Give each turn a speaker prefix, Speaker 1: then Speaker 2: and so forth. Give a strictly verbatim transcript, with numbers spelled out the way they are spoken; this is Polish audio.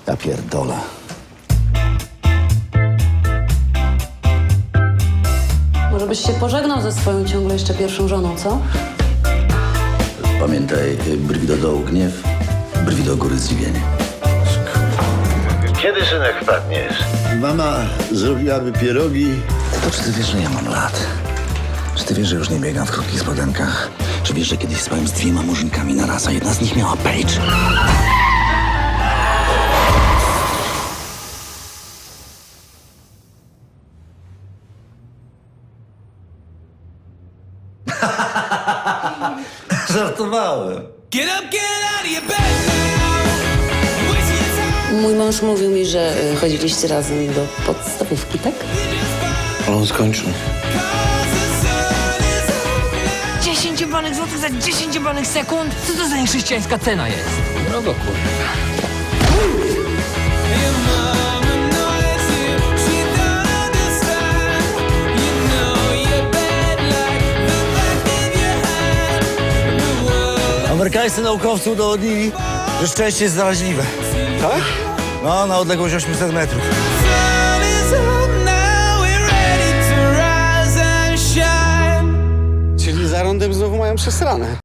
Speaker 1: Ja pierdolę.
Speaker 2: Może byś się pożegnał ze swoją ciągle jeszcze pierwszą żoną, co?
Speaker 1: Pamiętaj, brwi do dołu gniew, brwi do góry zdziwienie.
Speaker 3: Kiedy synek wpadniesz?
Speaker 4: Mama zrobiłaby pierogi.
Speaker 1: To czy ty wiesz, że ja mam lat? Czy ty wiesz, że już nie biegam w krótkich spodenkach? Czy wiesz, że kiedyś spałem z dwiema murzynkami na raz, a jedna z nich miała page? Żartowałem.
Speaker 5: Get up, get out of your bed now. Waste your time.
Speaker 2: Mój mąż mówił mi, że y, chodziliście razem do podstawówki, tak?
Speaker 4: Ale on skończył.
Speaker 6: dziesięć jebanych złotych za dziesięć jebanych sekund? Co to za niechrześcijańska cena jest? Drogo, kurwa.
Speaker 5: Your mama knows you. She don't understand. You know you're bad like the back of your hand. The world
Speaker 4: Amerykańscy naukowcy udowodnili, że szczęście jest zaraźliwe. Tak? No, na odległość osiemset metrów.
Speaker 5: sun is up now. We're ready to rise and shine.
Speaker 7: Czyli za rondem znowu mają przesrane.